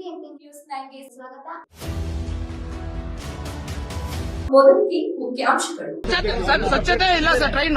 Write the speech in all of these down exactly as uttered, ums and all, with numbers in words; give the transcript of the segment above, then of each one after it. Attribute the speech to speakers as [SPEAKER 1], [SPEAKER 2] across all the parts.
[SPEAKER 1] BJP news ನೈನ್ಗೆ ಸ್ವಾಗತ. ಮೊದಲಿಗೆ ಮುಖ್ಯಾಂಶಗಳು.
[SPEAKER 2] ಸ್ವಚ್ಛತೆ ಇಲ್ಲ ಸರ್. ಟ್ರೈನ್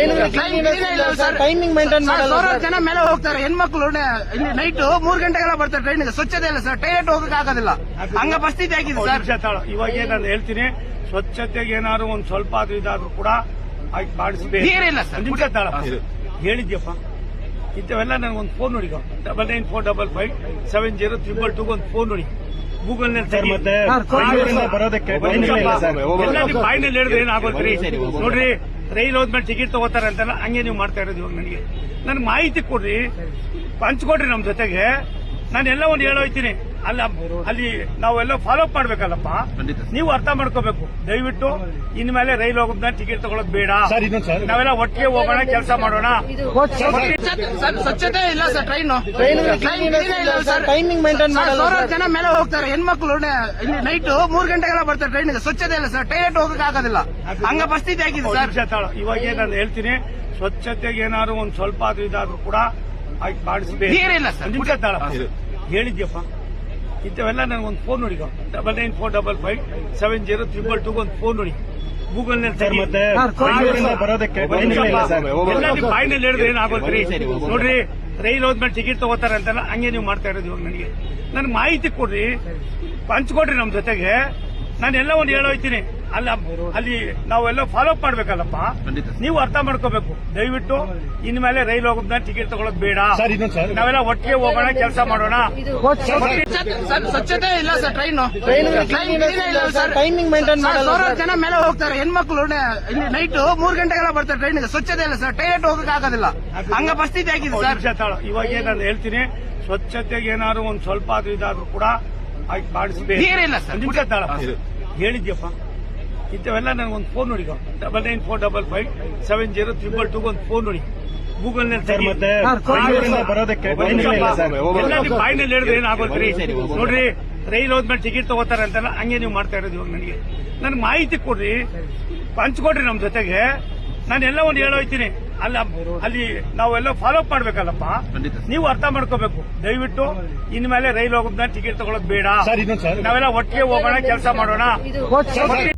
[SPEAKER 3] ಟೈಮಿಂಗ್ ಮೇಂಟೈನ್ ಮಾಡಲ್ಲ.
[SPEAKER 2] ಸಾವಿರಾರು ಜನ ಮೇಲೆ ಹೋಗ್ತಾರೆ. ಹೆಣ್ಮಕ್ಳು ಇಲ್ಲಿ ನೈಟ್ ಮೂರ್ ಗಂಟೆಗೆಲ್ಲ ಬರ್ತಾರೆ ಟ್ರೈನ್. ಸ್ವಚ್ಛತೆ ಇಲ್ಲ ಸರ್. ಟೈಲೆಟ್ ಹೋಗಕ್ ಆಗೋದಿಲ್ಲ. ಹಂಗ ಪರಿಸ್ಥಿತಿ ಆಗಿದೆ ಸರ್.
[SPEAKER 4] ಇವಾಗ ನಾನು ಹೇಳ್ತೀನಿ, ಸ್ವಚ್ಛತೆಗೆ ಏನಾದ್ರು ಒಂದ್ ಸ್ವಲ್ಪ ಆದ್ರೂ ಇದಾದ್ರೂ ಕೂಡ ಮಾಡಿಸಬೇಕು.
[SPEAKER 2] ನೀರಿಲ್ಲ ಸರ್.
[SPEAKER 4] ನಿಮಿಷ ತಾಳ ಹೇಳಿದ್ಯಪ್ಪ. ಇಂಥವೆಲ್ಲ ನನಗೆ ಒಂದು ಫೋನ್ ನೋಡಿ, double nine four double five seven zero triple two ಒಂದು ಫೋನ್ ನೋಡಿ. ಗೂಗಲ್ ನಲ್ಲಿ
[SPEAKER 3] ಬರೋದಕ್ಕೆ
[SPEAKER 4] ಬಾಯಿನಲ್ಲಿ ಹೇಳಿದ್ರೆ ಏನಾಗೋದ್ರಿ ನೋಡ್ರಿ. ರೈಲ್ ಹೋದ್ಮೇಲೆ ಟಿಕೆಟ್ ತಗೋತಾರೆ ಅಂತಲ್ಲ, ಹಂಗೆ ನೀವು ಮಾಡ್ತಾ ಇರೋದು. ಇವಾಗ ನನಗೆ ನನ್ ಮಾಹಿತಿ ಕೊಡ್ರಿ, ಹಂಚ್ಕೊಡ್ರಿ ನಮ್ ಜೊತೆಗೆ. ನಾನು ಎಲ್ಲ ಒಂದು ಹೇಳೋಯ್ತೀನಿ. ಅಲ್ಲ ಅಲ್ಲಿ ನಾವೆಲ್ಲ ಫಾಲೋ ಅಪ್ ಮಾಡ್ಬೇಕಲ್ಲಪ್ಪ. ನೀವು ಅರ್ಥ ಮಾಡ್ಕೋಬೇಕು. ದಯವಿಟ್ಟು ಇನ್ಮೇಲೆ ರೈಲ್ ಹೋಗೋದನ್ನ ಟಿಕೆಟ್ ತಗೊಳಕ್ ಬೇಡ. ನಾವೆಲ್ಲ ಒಟ್ಟಿಗೆ ಹೋಗೋಣ, ಕೆಲಸ ಮಾಡೋಣ.
[SPEAKER 2] ಸ್ವಚ್ಛತೆ ಇಲ್ಲ ಸರ್. ಟ್ರೈನ್
[SPEAKER 3] ಟೈಮಿಂಗ್ ಮೇಂಟೈನ್ ಮಾಡಲ್ಲ.
[SPEAKER 2] ಸಾವಿರಾರು ಜನ ಮೇಲೆ ಹೋಗ್ತಾರೆ. ಹೆಣ್ಮಕ್ಳು ಇಲ್ಲಿ ನೈಟ್ ಮೂರ್ ಗಂಟೆಗೆಲ್ಲ ಬರ್ತಾರೆ ಟ್ರೈನ್. ಸ್ವಚ್ಛತೆ ಇಲ್ಲ ಸರ್. ಟೈಲೆಟ್ ಹೋಗಕ್ ಆಗೋದಿಲ್ಲ. ಹಂಗ ಪರಿಸ್ಥಿತಿ ಆಗಿದೆ ಸರ್.
[SPEAKER 4] ಇವಾಗ ನಾನು ಹೇಳ್ತೀನಿ, ಸ್ವಚ್ಛತೆಗೆ ಏನಾದ್ರು ಒಂದ್ ಸ್ವಲ್ಪ ಆದ್ರೂ ಇದಾದ್ರೂ ಕೂಡ ಮಾಡಿಸಬೇಕು.
[SPEAKER 2] ನೀರಿಲ್ಲ ಸರ್.
[SPEAKER 4] ನಿಮಿಷ ತಾಳ ಹೇಳಿದ್ಯಪ್ಪ. ಇಂಥವೆಲ್ಲ ನನಗೆ ಒಂದು ಫೋನ್ ನೋಡಿ, double nine four double five seven zero triple two ಒಂದು ಫೋನ್ ನೋಡಿ. ಗೂಗಲ್ ನಲ್ಲಿ
[SPEAKER 3] ಬರೋದಕ್ಕೆ
[SPEAKER 4] ಬಾಯಿನಲ್ಲಿ ಹೇಳಿದ್ರೆ ಏನಾಗೋದ್ರಿ ನೋಡ್ರಿ. ರೈಲ್ ಹೋದ್ಮೇಲೆ ಟಿಕೆಟ್ ತಗೋತಾರೆ ಅಂತಲ್ಲ, ಹಂಗೆ ನೀವು ಮಾಡ್ತಾ ಇರೋದು. ಇವಾಗ ನನಗೆ ನನ್ ಮಾಹಿತಿ ಕೊಡ್ರಿ, ಹಂಚ್ಕೊಡ್ರಿ ನಮ್ ಜೊತೆಗೆ. ನಾನು ಎಲ್ಲ ಒಂದು ಹೇಳೋಯ್ತೀನಿ. ಅಲ್ಲ ಅಲ್ಲಿ ನಾವೆಲ್ಲ ಫಾಲೋ ಅಪ್ ಮಾಡ್ಬೇಕಲ್ಲಪ್ಪ. ನೀವು ಅರ್ಥ ಮಾಡ್ಕೋಬೇಕು. ದಯವಿಟ್ಟು ಇನ್ಮೇಲೆ ರೈಲ್ ಹೋಗೋದನ್ನ ಟಿಕೆಟ್ ತಗೊಳಕ್ ಬೇಡ. ನಾವೆಲ್ಲ ಒಟ್ಟಿಗೆ ಹೋಗೋಣ, ಕೆಲಸ ಮಾಡೋಣ.
[SPEAKER 2] ಸ್ವಚ್ಛತೆ ಇಲ್ಲ ಸರ್. ಟ್ರೈನ್
[SPEAKER 3] ಟೈಮಿಂಗ್ ಮೇಂಟೈನ್ ಮಾಡಲ್ಲ.
[SPEAKER 2] ಸಾವಿರಾರು ಜನ ಮೇಲೆ ಹೋಗ್ತಾರೆ. ಹೆಣ್ಮಕ್ಳು ಇಲ್ಲಿ ನೈಟ್ ಮೂರ್ ಗಂಟೆಗೆಲ್ಲ ಬರ್ತಾರೆ ಟ್ರೈನ್. ಸ್ವಚ್ಛತೆ ಇಲ್ಲ ಸರ್. ಟೈಲೆಟ್ ಹೋಗಕ್ ಆಗೋದಿಲ್ಲ. ಹಂಗ ಪರಿಸ್ಥಿತಿ ಆಗಿದೆ ಸರ್.
[SPEAKER 4] ಇವಾಗ ನಾನು ಹೇಳ್ತೀನಿ, ಸ್ವಚ್ಛತೆಗೆ ಏನಾದ್ರು ಒಂದ್ ಸ್ವಲ್ಪ ಆದ್ರೂ ಇದಾದ್ರೂ ಕೂಡ ಮಾಡಿಸಬೇಕು.
[SPEAKER 2] ನೀರಿಲ್ಲ ಸರ್.
[SPEAKER 4] ನಿಮಿಷ ತಾಳ ಹೇಳಿದ್ಯಪ್ಪ. ಇಂಥವೆಲ್ಲ ನನಗೆ ಒಂದು ಫೋನ್ ನೋಡಿ, double nine four double five seven zero triple two ಒಂದು ಫೋನ್ ನೋಡಿ. ಗೂಗಲ್ ನಲ್ಲಿ
[SPEAKER 3] ಬರೋದಕ್ಕೆ
[SPEAKER 4] ಬಾಯಿನಲ್ಲಿ ಹೇಳಿದ್ರೆ ಏನಾಗೋದ್ರಿ ನೋಡ್ರಿ. ರೈಲ್ ಹೋದ್ಮೇಲೆ ಟಿಕೆಟ್ ತಗೋತಾರೆ ಅಂತಲ್ಲ, ಹಂಗೆ ನೀವು ಮಾಡ್ತಾ ಇರೋದು. ಇವಾಗ ನನಗೆ ನನ್ ಮಾಹಿತಿ ಕೊಡ್ರಿ, ಹಂಚ್ಕೊಡ್ರಿ ನಮ್ ಜೊತೆಗೆ. ನಾನು ಎಲ್ಲ ಒಂದು ಹೇಳೋಯ್ತೀನಿ. ಅಲ್ಲ ಅಲ್ಲಿ ನಾವೆಲ್ಲ ಫಾಲೋ ಅಪ್ ಮಾಡ್ಬೇಕಲ್ಲಪ್ಪ. ನೀವು ಅರ್ಥ ಮಾಡ್ಕೋಬೇಕು. ದಯವಿಟ್ಟು ಇನ್ಮೇಲೆ ರೈಲ್ ಹೋಗೋದನ್ನ ಟಿಕೆಟ್ ತಗೊಳಕ್ ಬೇಡ. ನಾವೆಲ್ಲ ಒಟ್ಟಿಗೆ ಹೋಗೋಣ, ಕೆಲಸ ಮಾಡೋಣ.